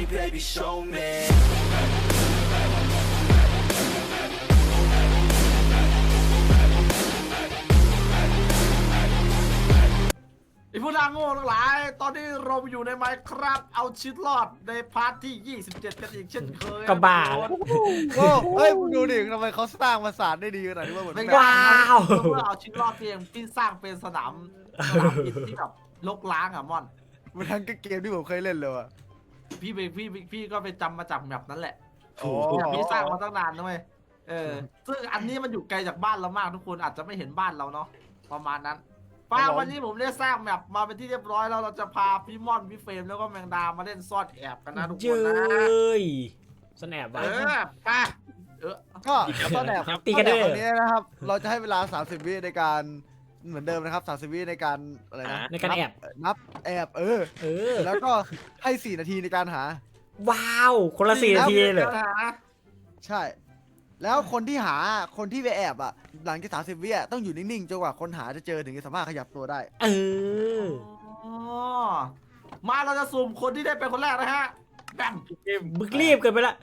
baby show me ไอ้พวกนางโง่ทั้งหลายตอนนี้เราอยู่ในไมค์ครับเอาชีวิตรอดในพาร์ทที่27กันอีกเช่นเคยก็บ้าโอ้เฮ้ยมึงดูดิทำไมเขาสร้างปราสาทได้ดีขนาดนี้วะเหมือนไม่แบบว้าว้าวเพื่อเอาชีวิตรอดเพียงพี่สร้างเป็นสนามบินที่แบบลกล้างอ่ะม่อนมันทั้งเกมที่ผมเคยเล่นเลยว่ะพี่ก็ไปจำมาจากแมปนั้นแหละโอ้เนี่ยพี่สร้างมาตั้งนานนะเว้ยซึ่งอันนี้มันอยู่ไกลจากบ้านเรามากทุกคนอาจจะไม่เห็นบ้านเราเนาะประมาณนั้นป้าวันนี้ผมได้สร้างแมปมาเป็นที่เรียบร้อยแล้วเราจะพาพี่ม่อนพี่เฟรมแล้วก็แมงดามาเล่นซ่อนแอบกันนะทุกคเจ้นนะยสแนปเอวะอไปก็ต้นแบบตีกันเด้อตอนนี้นะครับ เราจะให้เวลา30 วิในการเหมือนเดิมนะครับ30 วิในการอะไรนะในการแอบนับแอบเออแล้วก็ให้4 นาทีในการหาว้าวคนละ4 นาทีเลยใช่ แล้วคนที่ไปแอบอ่ะหลังจาก30 วิอ่ะต้องอยู่นิ่งๆจนกว่าคนหาจะเจอถึงจะสามารถขยับตัวได้เออมาเราจะสุ่มคนที่ได้เป็นคนแรกนะฮะแบมบึกรีบเกินไปละ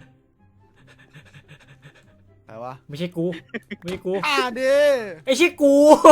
แต่ว่าไม่ใช่กูไม่ใช่กูดิไอ้ใช่กู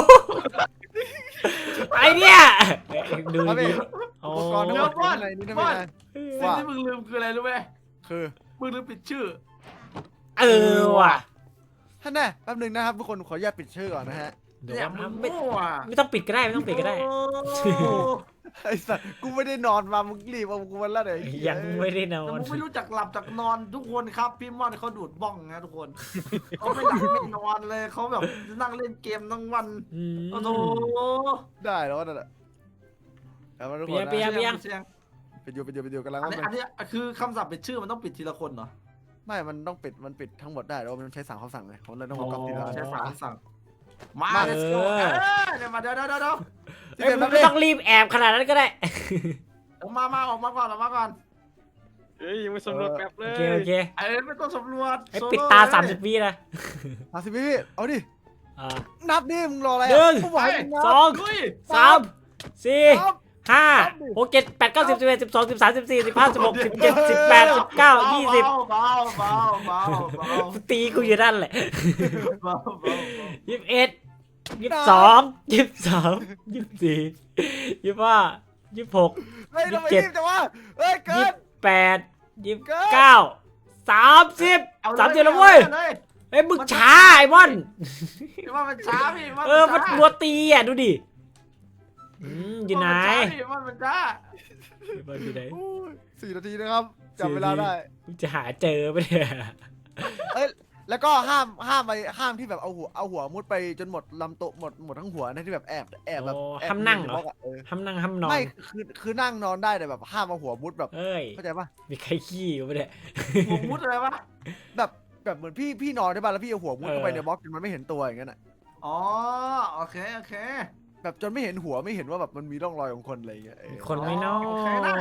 ไอเนี่ยดูครับดิพี่โอ้อุปกรณ์ทั้งหมดอยู่ในนี้ได้ไหมนะสิ่งที่มึงลืมคืออะไรรู้ไหมคือมึงลืมปิดชื่อเออว่ะท่านแน่แป๊บนึงนะครับทุกคนขออนุญาตปิดชื่อก่อนนะฮะเดี๋ยวเนี่ยนะมึงไม่โง่อะไม่ต้องปิดก็ได้ไม่ต้องปิดก็ได้ไอ้สัสกูไม่ได้นอนมามึงรีบเอากูวันละเลยยังไม่ได้นอแต่นมึงไม่รู้จักหลับจากนอนทุกคนครับพี่ม่อนเขาดูดบ้องนะทุกคนเขาไม่หลับไม่นอนเลยเขาแบบนั่งเล่นเกมทั้งวันอืมโอ้โหได้แล้วนั่นแหละเอามาทุกคนนะเปียเสียงไปอยู่กำลังอันว่านี้มันอันนี้คือคำศัพท์ปิดชื่อมันต้องปิดทีละคนเหรอไม่มันต้องปิดมันปิดทั้งหมดได้แต่ว่ามันใช้3 คำสั่งเลยผมเลยต้องมากรอบทีละอันใช้3 คำสั่งมามา let's go เดี๋ยวมาเดี๋ยวเอ้ยมันไม่ต้องรีบแอบขนาดนั้นก็ได้ออกมาก่อนเฮ้ยยังไม่สำรวจแมปเลโอย เคโอเคไม่ต้องสำรวจไอ้ปิดตา30 วินะ 30 วิเอาดิอ่านับดิมึงรออะไรหนึ่งกูบอกให้มึงนับสองลุย 3 4 5 6 7 8 9 10 11 12 13 14 15 16 17 18 19 20 เบาตีกูอยู่นั่นแหละเบา 21 22 23 24 25 26 เฮ้ยทำไม 27 รีบจังวะเฮ้ยเกิน 28 29 30 30แล้วเว้ยเฮ้ยมึงช้าไอ้บอนว่ามันช้าพี่มันรัวตีอ่ะดูดิอยู่ไหนมันช้าบอลอยู่ไหนโอ้ย4 นาทีนะครับจับเวลาได้มึงจะหาเจอปะเนี่ยเอ้ยแล้วก็ห้ามที่แบบเอาหัวมุดไปจนหมดลำโตะหมดทั้งหัวนะที่แบบแอบแบบโอ้แอบห้ามนั่งเหรอใบล็กะห้ามนั่งห้ามนอนไม่คือนั่งนอนได้แต่แบบห้ามเอาหัวมุดแบบเอ้ยเข้าใจปะมีใครขี้อยู่ปะเนี่ยหัวมุดอะไรวะแบบเหมือนพี่นอนได้ป่ะแล้วพี่เอาหัวมุดเข้าไปในบล็อกจนมันไม่เห็นตัวอย่างนั้นอ่ะอ๋อโอเคแบบจนไม่เห็นหัวไม่เห็นว่าแบบมันมีร่องรอยของคนอะไรอย่างเงี้ยเออคนไม่นอโอเคได้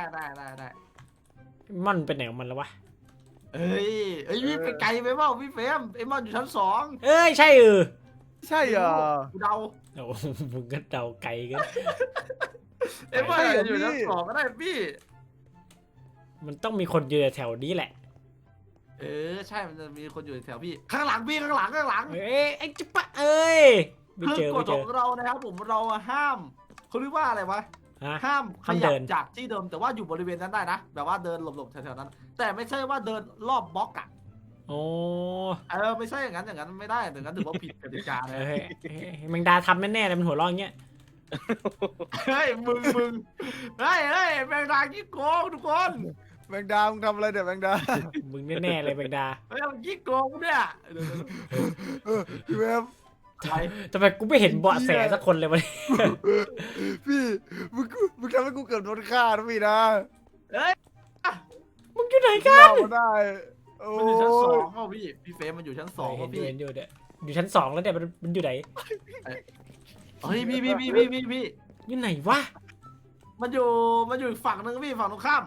มันเป็นไหนของมันแล้ววะเอ้ยพี่ไปไกลไปเปล่าพี่เฟรมไอ้มันอยู่ชั้น2 เอ้ยใช่ใช่เหรอกูเดาโอ้มึงก็เดาไกลกันไอ้มันอยู่ชั้น2ก็ได้พี่มันต้องมีคนอยู่แถวนี้แหละใช่มันจะมีคนอยู่แถวพี่ข้างหลังพี่ข้างหลังเอ้ยไอ้จิ๊บปะเอ้ยไม่คืเจออกไม่ฎเจขอองเรานะครับผมเราห้ามเขาเรียกว่าอะไรวะฮะห้ามขห้ามยัเดิบนจากที่เดิมแต่ว่าอยู่บริเวณนั้นได้นะแบบว่าเดินหลบๆแถวๆนั้น แต่ไม่ใช่ว่าเดินรอบบล็อกอ่ะโอ้ไม่ใช่อย่างนั้นไม่ได้อย่างนั้นถือว่าผิดกติกาเลยเฮ้ยแมงดาทำแน่ๆเลยมันหัวเร้องเงี้ยเฮ้ยมึงเฮ้ยแมงดาขี้โกงทุกคนแมงดามึงทำอะไรเดี๋ยวแมงดามึงแน่ๆเลยแมงดาเฮ้ยมันขี้โกงเนี่ยพี่เวฟใครทำไมกูไม่เห็นเบาะแสสักคนเลยวะเนี่ยพี่มึงทำให้กูเกือบโดนฆ่านะพี่นะเฮ้ยมึงอยู่ไหนกันเล่ามาได้โอ้มันอยู่ชั้น2ป่ะพี่เฟรมมันอยู่ชั้น2 เห็ป่ะนพี่อยู่เนี่ยอยู่ชั้น2แล้วเนี่ยมันอยู่ไหนเฮ้ยพี่อยู่ไหนวะมันอยู่อีกฝั่งนึงพี่ฝั่งตรงข้าม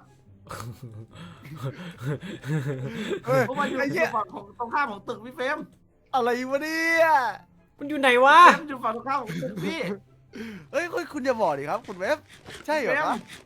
เฮ้ยเพราะมันอยู่ไอ้เหี้ยฝั่งของตรงข้ามของตึกพี่เฟรมอะไรวะเนี่ยมันอยู่ไหนวะมันอยู่ฝั่งตรงข้ามของตึกพี่เฮ้ยคุณอย่าบอกดิครับคุณเวฟใช่เหรอเฟรมครับ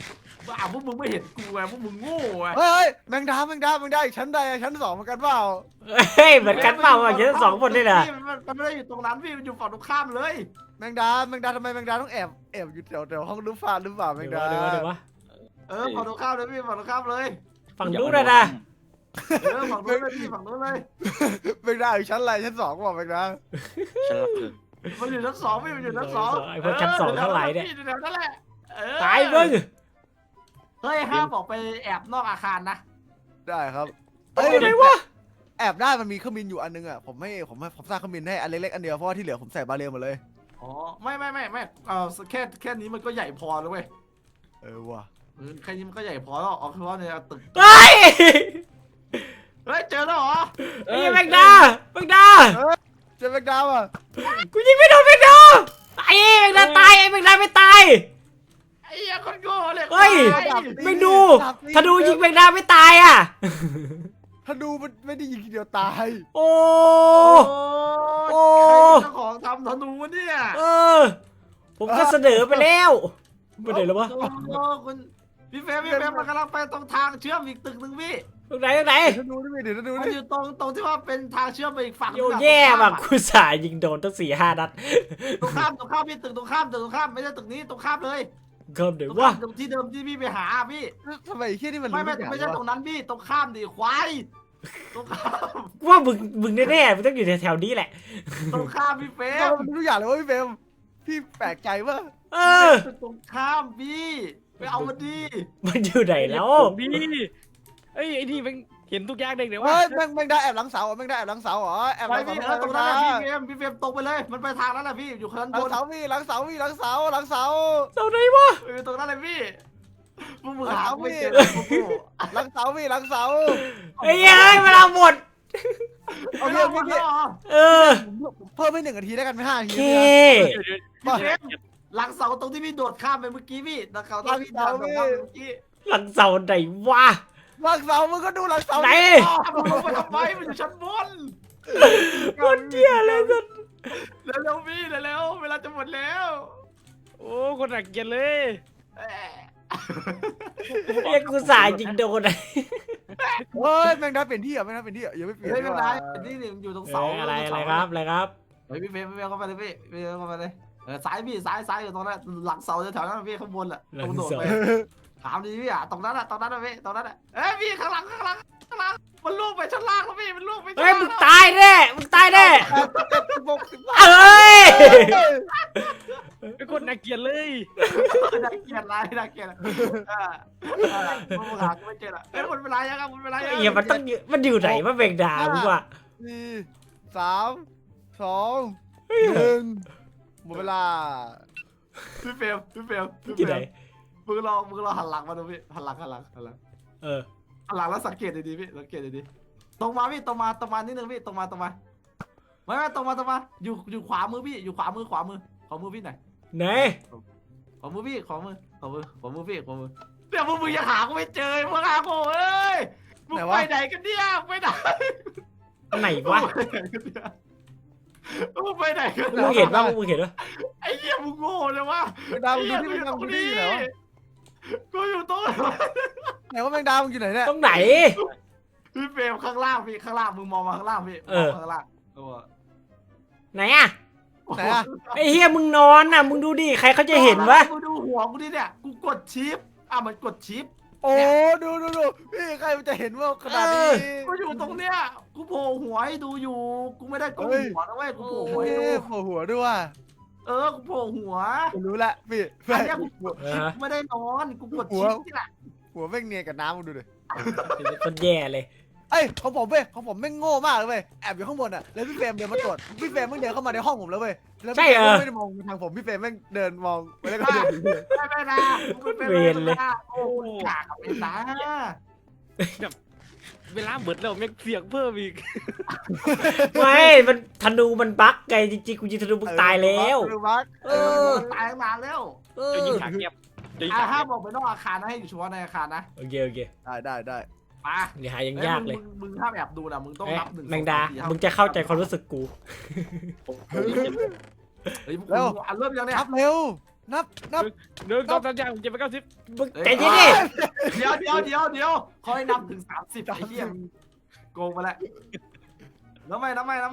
พวกมึงไม่เห็นกูไงพวกมึงโง่ไงเฮ้ยแมงดาอีกชั้นใดชั้น2เหมือนกันเปล่าเฮ้ยเหมือนกันเปล่าอ่ะเยอะสองคนเลยเหรอมันไม่ได้อยู่ตรงนั้นพี่มันอยู่ฝั่งตรงข้ามเลยแมงดาทำไมแมงดาต้องแอบอยู่แถวห้องรูปฟ้าหรือเปล่าแมงเดี๋ยดาวเดี๋ยววะฝั่งตรงข้ามเลยพี่ฝั่งตรงข้ามเลยฝั่งนู้นเลยนะฝั่งนู้นเลยพี่ฝั่งนู้นเลยแมงดาอยู่ชั้นอะไรชั้น2เปล่าแมงดาฉันรักเธอมันอยู่ชั้น 2พี่มันอยู่ชั้น 2 ไอ้พวกชั้นสองเท่าไหร่เนี่ยเดี๋ยวนั่นแหละตายมึงเฮ้ยห้ามออกไปแอบนอกอาคารนะได้ครับเฮ้ยไหนวะแอบได้มันมีเครื่องบินอยู่อันนึงอ่ะผมสร้างเครื่องบินให้อันเล็กๆอันเดียวเพราะว่าที่เหลือผมใส่บาเรลหมดเลยอ๋อไม่แค่นี้มันก็ใหญ่พอแล้วเว้ยว่ะแค่นี้มันก็ใหญ่พอแล้วเอาคือว่าเนี่ยตึกเฮ้ยเฮ้ยเจอแล้วเหรอไอ้แมงดาแมงดาเจอแมงดาอ่ะกูยิงไม่โดนแมงดาไอ้แมงดาตายไอ้แมงดาไม่ตายไอ้เหี้ยคนโง่เลยเฮ้ย ไม่ดูถ้าดูยิงแมงดาไม่ตายอ่ะถ้าดูมันไม่ได้ยิงทีเดียวตายโอ้โอ้ใครเป็นเจ้าของทำธนูวะเนี่ยเออ ผมก็เสนอไปแล้วไปไหนแล้ววะโอ้คุณพี่เฟรมมันกำลังไปตรงทางเชื่อมอีกตึกหนึ่งพี่ตรงไหนตรงไหนเดี๋ยวถ้าดูดิเดี๋ยวถ้าดูมันดิอยู่ตรงที่ว่าเป็นทางเชื่อมไปอีกฝั่งโยแย่แบบกูสายยิงโดนตั้ง4-5 นัดตรงข้ามพี่ตึกตรงข้ามไม่ใช่ตึกนี้ตรงข้ามเลยเกิมเดี๋ยวตรงวะข้ามตรงที่เดิมที่พี่ไปหาพี่ทำไมไอ้เหี้ยนี่มันไม่รู้ไม่ใช่ตรงนั้นพี่ตรงข้ามดิควายตรงข้ามว่ามึงแน่ๆมึงต้องอยู่แถวๆนี้แหละตรงข้ามพี่เฟรเออมมันรู้อย่างเลยว่าพี่เฟรมพี่แปลกใจว่าเออตรงข้ามพี่ไปเอามาดีมันอยู่ไหนแล้วพี่เอ้ยไอ้นี่มันเห็นทุกอย่างเด็กเดี๋ยวเฮ้ว่ายแมงดาแอบหลังเสาเหรอแมงดาแอบหลังเสาเหรอแอบหไปลังพี่เสาตรงนั้นแหละพี่เฟรมตรงไปเลยมันไปทางนั้นแหละพี่อยู่ข้างหลับงนเสาพี่หลังเสาพี่หลังเสาหลังเสาเสาไหนวะตรงนั้นเลยพี่พวกมึงหาไม่เจอพวกกูหลังเสาพี่หลังเสาไอ้ยัยเวลาหมดเอาไม่เพี่เอาหมดแล้วเหรอเออเพิ่มไป1 นาทีได้กันไหม5 นาทีเคพี่เฟรมหลังเสาตรงที่พี่โดดข้ามไปเมื่อกี้พี่หลังเสาตรงที่โดดข้ามไปเมื่อกี้หลังเสาไหนวะหลังเสามึงก็ดูหลังเสาไหนมึงลงไปทำไมมันอยู่ชั้นบนคนเดียเลยสัสเร็วๆพี่เร็วๆเวลาจะหมดแล้วโอ้คนหนักเกียนเลยเอ้ยเรียกกูสายยิงโดนเฮ้ยแมงดาเปลี่ยนที่เหรอแมงดาเปลี่ยนที่เหรออย่าไม่เปลี่ยนไม่เป็นไรดีกว่านี่อยู่ตรงเอเสาออะไรครับอะไรครับเฮ้ยพี่เฟรมเข้าไปเลยพี่เข้าไปเลยซ้ายพี่ซ้ายอยู่ตรงนั้นหลังเสาแถวนั้นพี่ข้างบนแหละตรงโดดไปถามดีพี่อ่ะตรงนั้นอ่ะพี่ตรงนั้นอ่ะเอ้ยพี่ข้างหลังมันลูกไปชั้นล่างแล้วพี่มันลูกไปชั้นเฮ้ยล่างมึงตายแน่มึงตายแน่ 16 เอ้ยไอ้คนหนักเกียนเลยน่าเกลียดน่าเกลียดมึงหากูไม่เจอละเอ้ยมันเป็นไรยังครับมันเป็นไรยังเหี้ยมันอยู่ไหนวะแมงดามึงวะ 4 3 2 1หมดเวลาพี่เฟรมที่ไหนมึงลองหันหลังมาดูพี่หันหลังเออหันหลังแล้วสังเกตดีๆพี่สังเกตดีๆตรงมาพี่ตรงมานิดนึงพี่ตรงมาไม่ตรงมาอยู่ขวามือพี่อยู่ขวามือพี่ไหนไหนขวามือพี่ขวามือพี่เดี๋ยวพวกมึงยังหากูไม่เจอพวกหากูเอ้ยมึงไปไหนกันเนี่ยไปไหนไหนวะมึงไปไหนกันมึงเห็นปะมึงเห็นปะไอ้เหี้ยมึงโง่เลยวะแมงดามึงดูที่แมงดามึงดูที่ไหนวะกูอยู่ตรงไหนว่าแมงดามึงอยู่ไหนเนี่ยตรงไหนพี่เฟรมข้างล่างพี่ข้างล่างมึงมองมาข้างล่างพี่ข้างล่างตัวไหนอะไหนอะไอ้เฮียมึงนอนน่ะมึงดูดิใครเขาจะเห็นวะกูดูหัวกูดิเนี่ยกูกดชิปมันกดชิปโอ้ดูพี่ใครมันจะเห็นว่าขนาดนี้กูอยู่ตรงเนี้ยกูโผล่หัวให้ดูอยู่กูไม่ได้ก้มหัวนะเว้ยกูโผล่หัวให้ดูโผล่หัวด้วยว่ะกูโผล่หัวผมรู้ละพี่อันเนี้ยกูเออไม่ได้นอนกูกดชิปนี่แหละหัวแม่งเนียนกับน้ำมึงดูดิคนแย่เลยเอ้ยของผมแม่งโง่มากเลยเว้ยแอบอยู่ข้างบนอ่ะแล้วพี่เฟรมเดินมาตรวจพี่เฟรมแม่งเดินเข้ามาในห้องผมแล้วเว้ยแล้วพี่เฟรมไม่ได้มองทางผมพี่เฟรมแม่งเดินมองไปแล้วก็เดินหนีเลยไม่นะกูเป็นโอ้กากกับไอ้ตาเวลาเบิดแล้วแม่งเสียงเพิ่มอีกไม่มันธนูมันบั๊กไงจริงๆกูยิงธนูมึงตายแล้ว เออตายตั้งนานแล้วเอจะยิองขาเงียบจะยิงห้าขาม เงียบบอกไปนอกอาคารนะให้อยู่เฉพาะในอาคารนะโอเคได้มาอย่าหายังยากเลยมึงห้ามแอบดูนะมึงต้องนับ1 แมงดามึงจะเข้าใจความรู้สึกกูเฮ้ยพวกมึงเริ่มยังเนี่ยครับเร็วนับ 1 2 3 4 5 6 7 8 9 10 มึงใจเย็นดิเดี๋ยวเขาให้นับถึง30ไอ้เหี้ยโกงไปแล้วน้ำไม่นับไปค้าง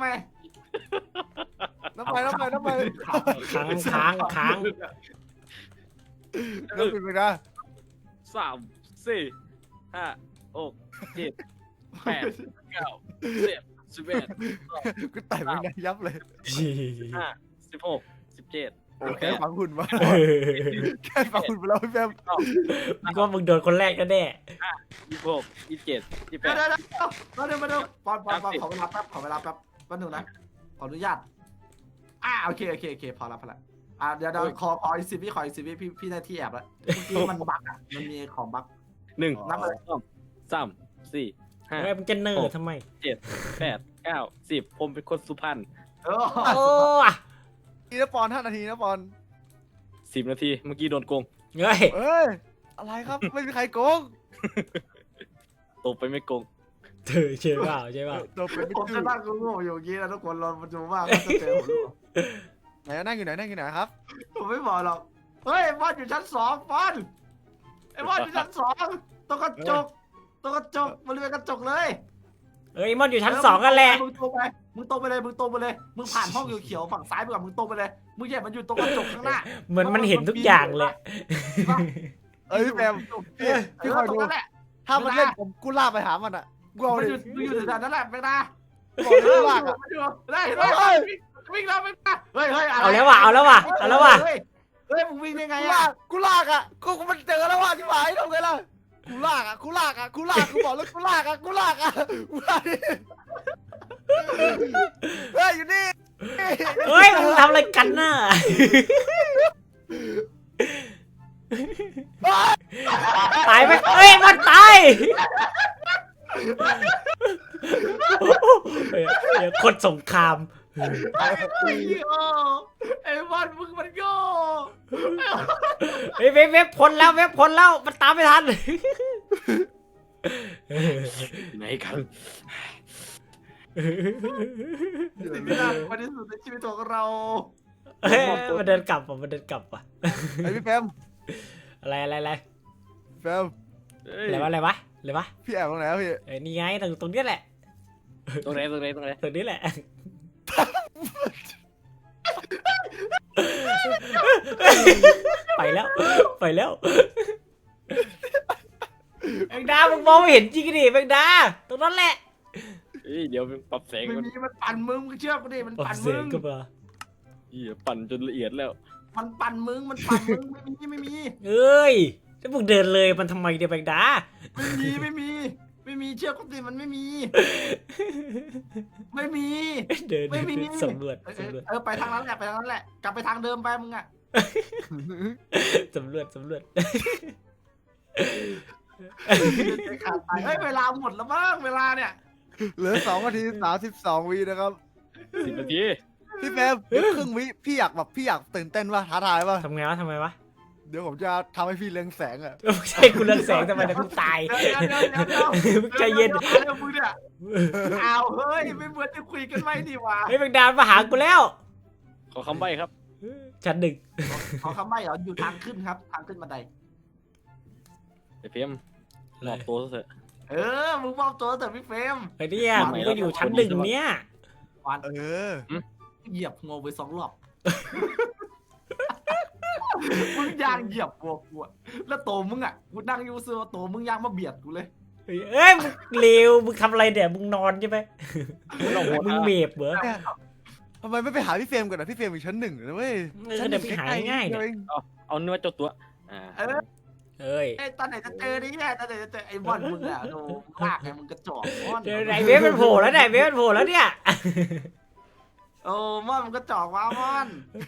นับไปนะ 3 4 5 6 7 8 9 10 11 กูไต่ไม่ได้ยับเลย 15 16 17 โอเคฝังหุ่นมาแค่ฝังหุ่นไปแล้วพี่แฟมมึงว่ามึงโดนคนแรกก็แน่ 26 27 เดี๋ยว 28 มาดูปอนขอเวลาแป๊บแป๊บนึงนะขออนุญาตโอเคพอละเดี๋ยวขออีก10 วิพี่ได้ที่แอบแล้วเมื่อกี้มันบั๊กมันมีของบั๊ก 1 นับเลย 2 3 4 เฮ้ยมึงจะเนิร์ดทำไม 8 9 10ผมเป็นคนสุพรรณเออโอ้ทีนะปอน5 นาทีนะปอน 10 นาทีเมื่อกี้โดนโกงเฮ้ยเอ้ยอะไรครับไม่มีใครโกงตบไปไม่โกงเธอใช่เปล่าโดนเป็นผมตื้จะอนั่งกูโง่อยู่อย่างนี้นะทุกคนรอมาดูว่าเขาจะเจอผมหรือเปล่าไหนนั่งอยู่ไหนครับผมไม่บอกหรอกเฮ้ยบอลอยู่ชั้น2บอลไอ้บอลอยู่ชั้น2ตรงกระจกบริเวณกระจกเลยเอ้ยมอนอยู่ชั้น2กันแหละมึงตรงไปเลยมึงผ่านห้องเขียวๆฝั่งซ้ายไปก่อนมึงตรงไปเลยมึงอย่ามันอยู่ตรงกระจกข้างหน้าเหมือนมันเห็นทุกอย่างเลยเอ้ยพี่แฟมพี่คอยตรดูงนั้นแหละถ้ามันเล่นผมกูล่าไปหามันอ่ะกูเอามันดิอยู่แถวนั้นแหละแม่นาบอกเลยกูล่าอ่ะได้วิ่งแล้วไม่มาเฮ้ยเอาแล้วว่ะเฮ้ยมึงวิ่งได้ไงกูลากอ่ะกูมันเจอแล้วว่ะที่หมายทำไงล่ะกูลากกูบอกแล้วกูลากเฮ้ยอยู่นี่เฮ้ยมึงทำอะไรกันน่ะตายไหมเฮ้ยมันตายเดี๋ยวคนสงครามไอ้บอลมึงมันโง่เฮ้ยเว็บพ้นแล้วมันตามไม่ทันไหนกันสิ่งที่น่ากลัวที่สุดในชีวิตของเราเฮ้ยมันเดินกลับว่ะไอพี่แฟมอะไรแฟมอะไรวะพี่แอบตรงไหนพี่เอ้ยนี่ไงตรงนี้แหละตรงไหนตรงนี้แหละไปแล้วแมงดามึงมองไม่เห็นจริงดิแมงดาตรงนั้นแหละเดี๋ยวปรับแสงไม่ก่อนมีมันปั่นมึงเชื่อกูดิมันโอ้ปั่นเสีมึยงงก็มาปั่นจนละเอียดแล้วมันปั่นมึงไม่มีเอ้ยแล้วมึงเดินเลยมันทำไมเดี๋ยวแมงดาไม่มีเชื่อกูดิมันไม่มีเดินไม่มีสำรวจไปทางนั้นแหละกลับไปทางเดิมไปมึงอ่ะสำรวจเฮ้ยเวลาหมดแล้วมั้งเวลาเนี่ยเหลือ2 นาที 32 วินะครับ 10 นาทีพี่แฟมครึ่งวิพี่อยากตื่นเต้นป่ะท้าทายป่ะทำไมวะเดี๋ยวผมจะทำให้พี่เรืองแสงอ่ะไม่ใช่กูเลือกแสงทำไมนะกูตาย มึงใจเย็นมึงเนี่ยเอาเฮ้ยไม่เหมือนจะคุยกันไม่ดีวะเฮ้ยแมงดามาหากูแล้วขอคำใบ้ครับชั้น 1 ขอคำใบ้เหรออยู่ทางขึ้นครับทางขึ้นบันไดไอ้เพียมหลอกตัวเถอะมึงมอบตัวแต่พี่เฟรมไอ้เนี่ยมึงก็อยู่ชั้น 1เนี่ยวันเออเหยียบงวไป2 รอบมึงยางเหยียบวัวกูแล้วโตมึงอ่ะกูนั่งอยู่ซื้อโตมึงยางมาเบียดกูเลยเอ้ยมึงเลวมึงทำอะไรเนี่ยมึงนอนใช่ไหมมึงเมฟเหรอทำไมไม่ไปหาพี่เฟรมก่อนนะพี่เฟรมอยู่ชั้น 1นะเว้ยเดี๋ยวไปหาง่ายๆเนี่ยเอาเนื้อเจ้าตัวเอ้ยตอนไหนจะเจอนี่ตอนไหนจะเจอไอ้บอลมึงอ่ะโดลากไงมึงกระจอกบอลเดี๋ยวไหนเวฟมันโผล่แล้วเนี่ยโอ้มอนมึงกระจอกว้ามอน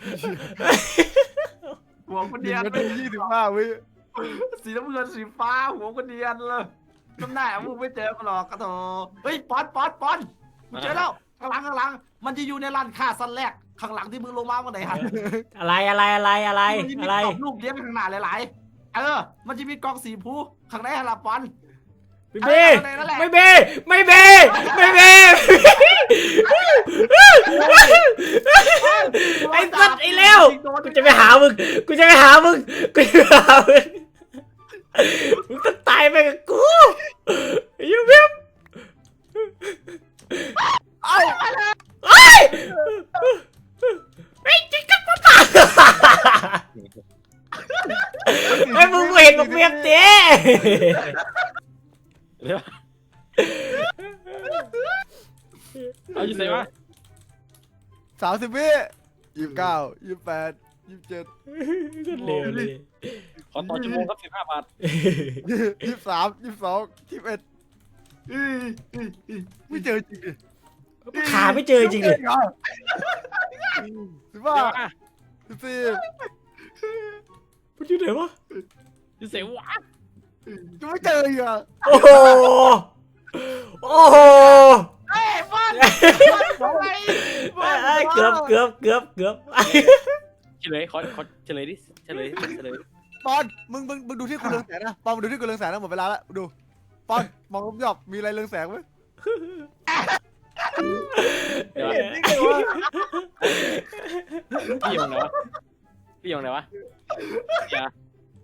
หัวคนเดียน 1 นาที 25 วิสีน้ำเงินสีฟ้าหัวคนเดียนเลยน้ำหน้ามึงไม่เจอกูหรอกกระโถเฮ้ยปอนมึงเจอแล้วข้างหลังมันจะอยู่ในร้านค้าสั้นแรกข้างหลังที่มึงลงมาเมื่อไหร่ฮะอะไรมันจะมีกล่องรูปเลี้ยงข้างหน้าหลายๆมันจะมีกล่องสีผู้ข้างในฮาราปอนไม่เบ้ไม่เบ้ไม่เบ้ไม่เบ้ไอ้สัตว์ไอ้เลวกูจะไปหามึงกูจะไปหามึงกูจะไปหามึงมึงต้องตายไปกับกูไอ้ยูเบี้ยเอ้าไอ้จิ๊กกักปะปะไอ้มึงเห็นบอกเมียเจ๊เดี๋ยวเอาอยู่ไหนวะ 30 วิ29 28 27 เร็วเลยขอต่อชั่วโมงครับ15 บาท 23 22 21ไม่เจอจริงดิขาไม่เจอจริงเลย 15 เดี๋ยวอ่ะ 14 มันอยู่ไหนวะอยู่ไหนวะยังไม่เจออีกอ่ะโอ้โหโอ้โหเฮ้ยบอลบอลเกือบเกือบเฉลยขอเฉลยดิเฉลยปอนมึงดูที่กูเรืองแสงนะปอนมึงดูที่กูเรืองแสงนะหมดเวลาแล้วดูปอนมองรอบๆมีอะไรเรืองแสงไหมเดี๋ยวเห็นนี่ไงวะพี่อยู่ไหนวะพี่อยู่ไหนวะอย่า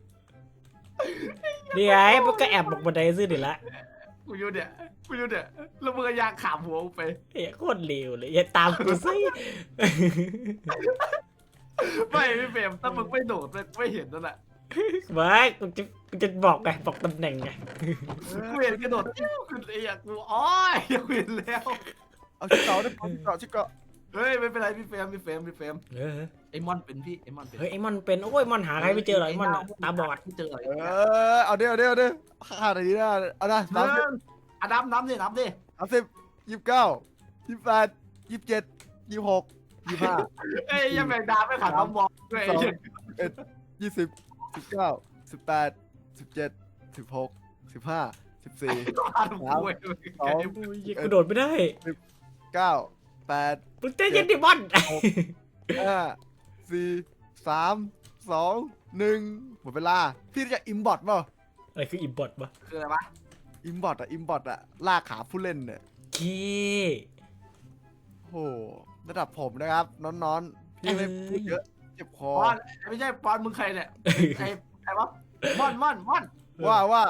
นี่ไงมันก็แอบลงบันไดซื้อเดี๋ยวละกูอยู่เนี่ยแล้วมึงก็ยางขามหัวกูไปเฮ้ยโคตรเร็วเลยอย่าตามกูสิไม่พี่เฟรมถ้ามึงไม่โดดไม่เห็นนั่นแหละไม่กูจะบอกไงบอกตำแหน่งไงกูเห็นกระโดดจิ้วขึ้นเลยอ่ะกูอ๋อยังเห็นแล้วเอาชิคเกาได้ปอนชิคเกาเฮ้ยไม่เป็นไรพี่เฟรมเออไอ้มอนเป็นพี่ไอ้มอนเป็นเฮ้ยไอ้มอนเป็นโอ้ยมอนหาใครไม่เจอหรอกไอ้มอนอะตาบอดไม่เจออะไรเอาดิขาดอะไรดีนะเอานะน้ำน้ำดิ 30 29 28 27 26 25 เอ้ยยังแบ่งดาวไม่ขาดน้ำมองด้วย 20 19 18 17 16 15 14 ขาดหัวโอ้ยกูโดดไม่ได้ 9 8 มึงเต้นยันดิมอน 5 4 3 2 1หมดเวลาพี่รู้จะอิมบอทเปล่าอะไรคืออิมพอร์ตวะคืออะไรวะอิมบอทอะลากขาผู้เล่นเนี่ยเคโอ้ระดับผมนะครับน้อนๆพี่ไม่พูดเยอะเจ็บคอปอนไม่ใช่ปอนมึงใครเนี่ยไอ้วะมอนว่า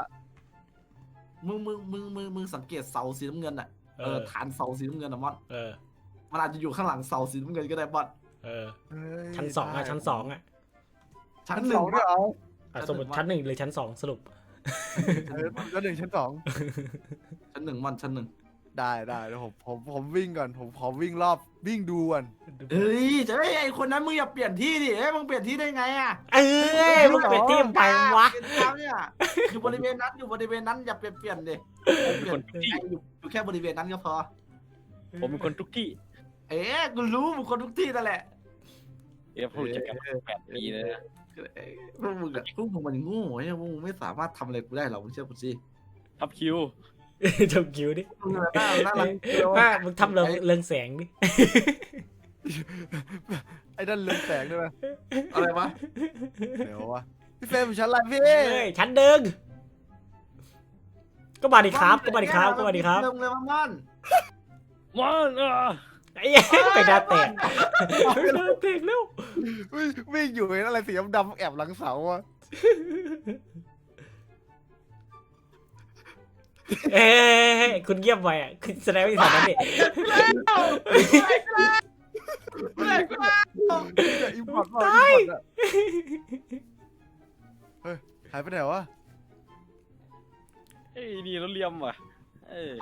มึงสังเกตเสาสีน้ำเงินอ่ะฐานเสาสีน้ำเงินอะมอนเออมันอาจจะอยู่ข้างหลังเสาสีน้ำเงินก็ได้มอนเออเฮ้ยชั้นสองอะชั้นสองอะชั้ชั้นนหสนึ่อง งด้วยเหรอสมมติชั้นหนึ่งหรือชั้นสองสรุปชั้น 1 ชั้น 2 ชั้นหนึ่งมอนชั้นหนึ่งได้เดี๋ยวผมวิ่งก่อนผมขอวิ่งรอบวิ่งดูก่อนเฮ้ยจะไอ้คนนั้นมึงอย่าเปลี่ยนที่ดิเอ้ยมึงเปลี่ยนที่ได้ไงอ่ะเอ้ยมึงเป็นทีมไปวะเป็นดาวเนี่ยอยู่บริเวณนั้นอย่าเปลี่ยนดิผมเป็นคนทุกที่อยู่แค่บริเวณนั้นก็พอผมเป็นคนทุกที่เอ๊ะกูรู้มึงคนทุกที่นั่นแหละเดี๋ยวพูดจักกัน8 ปีเลยนะพวกมึงมันโง่เนี่ยพวกมึงไม่สามารถทำอะไรกูได้หรอกมึงเชื่อกูสิทับคิวทำคิวดิมึงน่ารักว่ามึงทำเรื่องแสงดิไอ้นั่นเรืองแสงด้วยไหมอะไรวะเดี๋ยววะพี่เฟรมอยู่ชั้นอะไรพี่เฮ้ยชั้นหนึ่งก็มาดิครับเริ่มเลยมันมันไอ้ยังไปดาแตกดาแตกแล้ววิ่งอยู่เห็นอะไรสีดำๆแอบหลังเสาวะเอ้ยคุณเงียบไปอ่ะคุณแสดงว่าอีสานนั่นดิอิมพอร์ตเปล่าอิมพอร์ตอะเฮ้ยหายไปไหนวะเอ้ยนี่เราเลียมว่ะเออ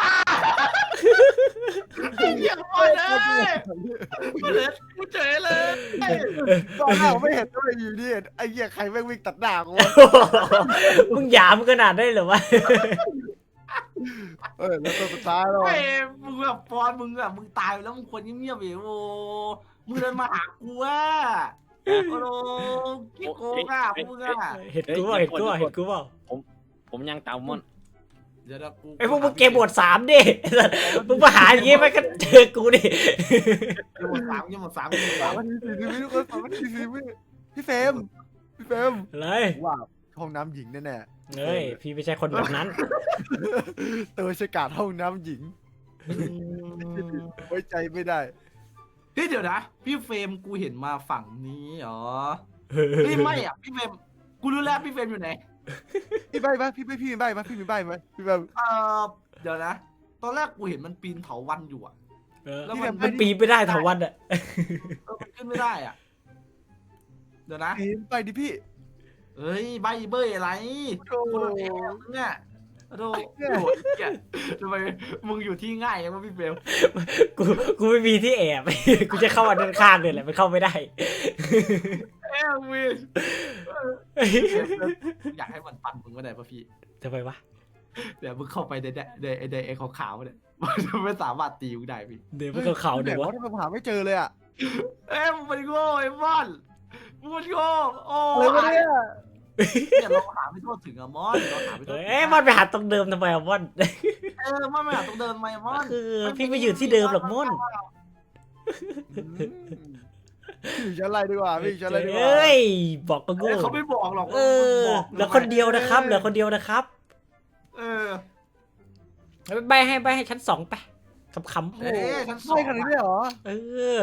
เยี่ยมเลยกูเฉยเลยตอนแรกผมไม่เห็นด้วยอยู่นี่ไอ้เหี้ยใครแม่งวิ่งตัดหน้ากูวะมึงหยามขนาดได้เหรอวะแล้วตัวสุดท้ายแล้วไอ้มึงแบบปอนมึงตายแล้วมึงควรเงียบๆอยู่โอ้มึงเดินมาหากูอ่ะโอ้โหกิ๊กโกงอ่ะมึงอ่ะเห็นกูเปล่าผมยังตามมันเดี๋ยวกูไอ้พวกมึงเกมบท3ดิมึงมาหาอย่างงี้มันก็เจอกูดิหมดสามยังหมดสาม 3 นาที 40 วิทุกคน3 นาที 40 วิพี่เฟรมอะไรว่าห้องน้ำหญิงแน่เฮ้ยพี่ไม่ใช่คนแบบนั้นตัวฉกาจห้องน้ำหญิงไว้ใจไม่ได้เฮ้ยเดี๋ยวนะพี่เฟรมกูเห็นมาฝั่งนี้เหรอเฮ้ยไม่อ่ะพี่เฟรมกูรู้แล้วพี่เฟรมอยู่ไหนพี่ใบไหมพี่มีใบไหมพี่มีใบไหมพี่แบบเดี๋ยวนะตอนแรกกูเห็นมันปีนเถาวัลย์อยู่อ่ะ แล้วมันมันปีนไม่ได้เถาวันอ่ะมันขึ้นไม่ได้อ่ะเดี๋ยวนะเห็นไปดิพี่เฮ้ยใบเบ้ยอะไรโอ้คนละแอบเนี่ยโดโหทำไมมึงอยู่ที่ง่ายยังวะพี่เฟรมกูไม่มีที่แอบ กูจะเข้ามาด้านข้างเลยแหละมันเข้าไม่ได้เอ้ยวินอยากให้มันปั่นมึงไม่ได้ป่ะพี่ทำไมวะเดี๋ยวมึงเข้าไปในไอ้ขาวๆเนี่ยมันจะไม่สามารถตีมึงได้พี่เดี๋ยวมันเขาเดี๋ยววะทำไมหาไม่เจอเลยอ่ะเอ้ยมึงเป็นโง่ไอ้มอนมึงเป็นโง่โอ้อะไรวะเนี่ยเนี่ยเราหาไม่ทั่วถึงอะมอนเราหาไม่ทั่วถึงเอ้ยมันไปหาตรงเดิมทำไมอะม่อนมอนไม่หาตรงเดินไหมมอนคือพี่ไม่อยู่ที่เดิมหรอกม่อนพี่อยู่ชั้นอะไรดีกว่าพี่อยู่ชั้นอะไรดีกว่าเอ้ยบอกก็เอโง่อเขาไม่บอกหรอกเออเหลือคนเดียวนะครับเหลือคนเดียวนะครับเออใบให้ชั้น2ไปคำเอ้ยฉันสอไม่งขนาดนี้เลยเหรอๆเออ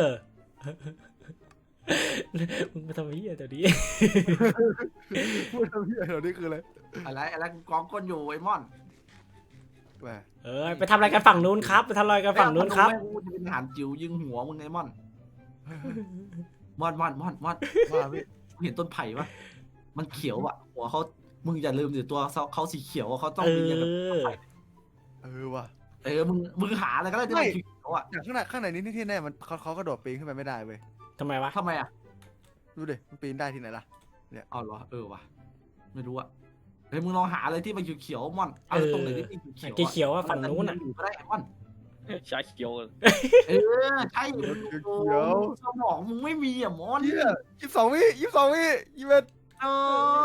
มึงมาทำเหี้ยเดี๋ยวนี้พูดทำเหี้ยเดี๋ยวนี้คืออะไรอะไรกูกองก้นอยู่ไอ้มอนแหมเออไปทำอะไรกันฝั่งนู้นครับไปทำอะไรกันฝั่งนู้นครับแม่งกูจะเป็นทหารจิ๋วยิงหัวมึงไงมอนมอนว่าพี่มึงเห็นต้นไผ่ปะมันเขียวอ่ะหัวเขามึงอย่าลืมดิตัวเขาสีเขียวอะเขาต้องเอมีอย่างกับอว่ะมึงหาอะไรก็ได้ที่มันเขียวอ่ะอย่างข้างในนี้ที่แน่มันเขากระโดดปีนขึ้นไปไม่ได้เว้ยทำไมวะทำไมอ่ะดูดิมันปีนได้ที่ไหนล่ะเอาเหรอว่ะไม่รู้อ่ะเฮ้ยมึงลองหาอะไรที่มันเขียวๆมอนอะไรตรงไหนที่มันเขียวๆเขียวว่าฝั่งนู้นอ่ะอยู่ก็ได้มอนชาเขียวใช่สมองมึงไม่มีอ่ะมอนเหี้ย22 วิ21 เออ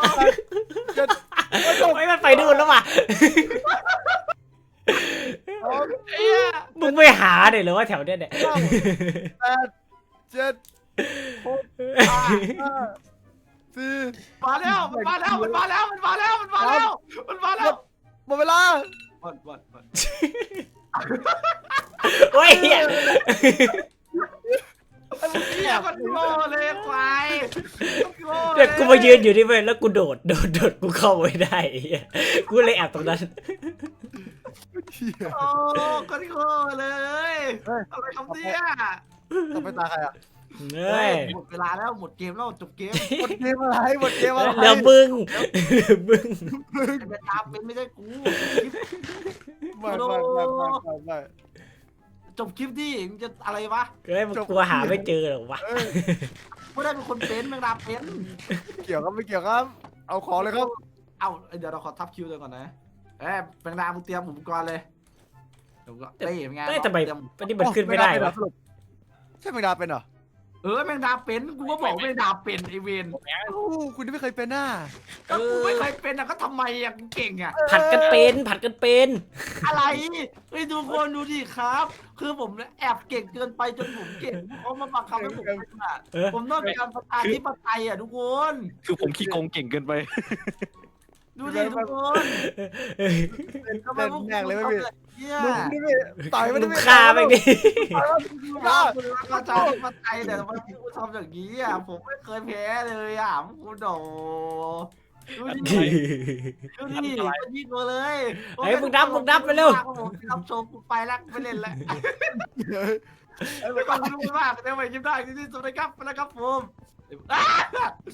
ไม่มันไปดูนแล้วว่ะเอ้ยมึงไม่หาเดี๋ยวหรือว่าแถวเนี้ยเนี่ย 8 7 6 5 4 มาแล้วมันมาแล้วหมดเวลาโอ้ยเหี้ยเฮียมันโง่เลยควายโง่เดี๋ยวกูมายืนอยู่นี่เว้ยแล้วกูโดดกูเข้าไม่ได้ไอ้เหี้ยกูเลยแอบตรงนั้นโอ้ก็โง่เลยอะไรคำเนี้ยต้องไปตาใครอ่ะเฮ้ยหมดเวลาแล้วหมดเกมแล้วจบเกมหมดเกมอะไรเหลือมึงเป็นตามเป็นไม่ใช่กูไม่จบคลิปดิมึงจะอะไรวะเฮ้ยมึงกลัวหาไม่เจอหรอวะไม่ได้เป็นคนเป็นแมงดาเป็นเกี่ยวครับไม่เกี่ยวครับ เอาของเลยครับเอาเดี๋ยวเราขอทับคิวเลยก่อนนะแมงดามึงเตรียมอุปกรณ์เลยเดี๋ยวก็เต้เป็นไงเฮ้ยทำไมอันนี้มันขึ้นไม่ได้วะใช่แมงดาเป็นเหรอแมงดาเป็นกูก็บอกแมงดาเป็นไอเวนคุณไม่เคยเป็นหน้าก็กูไม่เคยเป็นอ่ะก็ทำไมอ่ะกูเก่งอ่ะผัดกันเป็นอะไรเฮ้ยทุกคนดูดิครับ คือผมแอบเก่งเกินไปจนผมเก่งเขามาบังคับให้ผมเป็นอ่ะเออผมต้องการประชาธิปไตยอ่ะทุกคนคือผมขี้โกงเก่งเกินไปดูดิทุกคนทำไมพวกคุณทำแบบนี้มึงนี่ไม่ต่อยไม่มึได้งฆ่าแม่งดิคุณรักประชาธิปไตยแต่ทำไมคุณทำอย่างนี้อ่ะผมไม่เคยแพ้เลยอ่ะคุณโดดูดิดูดิยิงมาเลยเฮ้ยมึงนับไปเร็วผมนับโชว์กูไปแล้วไม่เล่นแล้วขอบคุณมากเดี๋ยวไปยิ้มได้ที่สุดนะครับนะครับผม